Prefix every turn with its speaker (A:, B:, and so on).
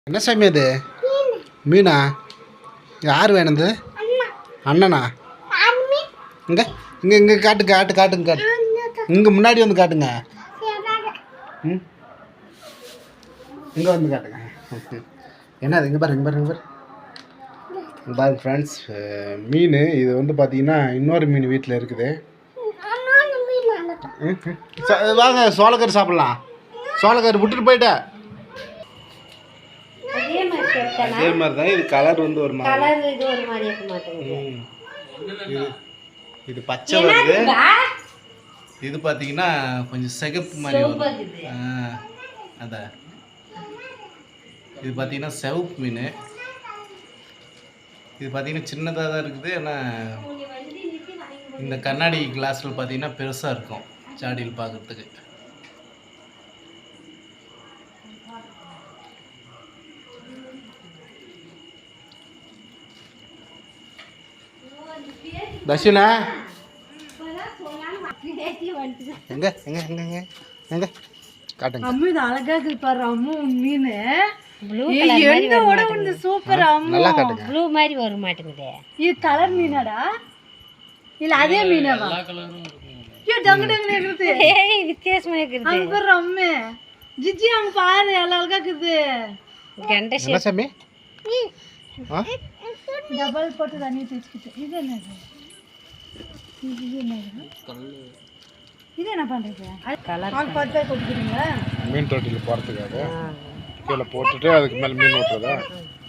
A: என்ன சாமி அது? மீனா? யார் வேணுது? அண்ணனா? இங்கே இங்கே இங்கே காட்டுங்க. இங்கே முன்னாடி வந்து காட்டுங்க. ம், இங்கே வந்து காட்டுங்க. என்னது? இங்கே பாருங்க ஃப்ரெண்ட்ஸ், மீன் இது வந்து பார்த்தீங்கன்னா இன்னொரு மீன் வீட்டில் இருக்குது. வாங்க சோளக்கரு சாப்பிட்லாம். சோளக்கரு விட்டுட்டு போயிட்டேன். அதே மாதிரி தான் இது. கலர் வந்து ஒரு இது பச்சை வருது. இது பார்த்தீங்கன்னா கொஞ்சம் சிகப்பு மாதிரி வரும். அதான் இது பார்த்தீங்கன்னா சிவப்பு மீன். இது பார்த்தீங்கன்னா சின்னதாக தான் இருக்குது. ஆனால் இந்த கண்ணாடி கிளாஸில் பார்த்தீங்கன்னா பெருசாக இருக்கும் சாடியில் பார்க்குறதுக்கு. தர்ஷனா எங்க எங்க எங்க எங்க எங்க காட்டுங்க.
B: அம்மு இது அழகா இருக்கு பாரு. அம்மு மீன் என்னோட வந்து சூப்பர். அம்மு
A: நல்லா காட்டுங்க.
C: ப்ளூ மாதிரி வர மாட்டேங்குது.
B: இது கலர் மீனாடா இல்ல அதே மீனாவா? எல்லா கலரும் இருக்கு. டங்கு டங்கு இருக்குது.
C: ஏய் வித்தியாசமா இருக்குது.
B: அங்க பாரு அம்மு. ஜிஜி அங்க பாரு அழகா இருக்குது.
C: கண்ட ஷேப்.
A: என்ன சாமி?
B: டபுள் போட்டு தண்ணி தேய்ச்சிட்டு. இது என்னது? இது என்ன பண்றீங்க? கலர் பார்த்து கொட்டிக்கிறீங்களா?
A: மீன் தொட்டியில் போகிறதுக்காக கீழே போட்டுட்டு அதுக்கு மேலே மீன் ஓட்டுறதா?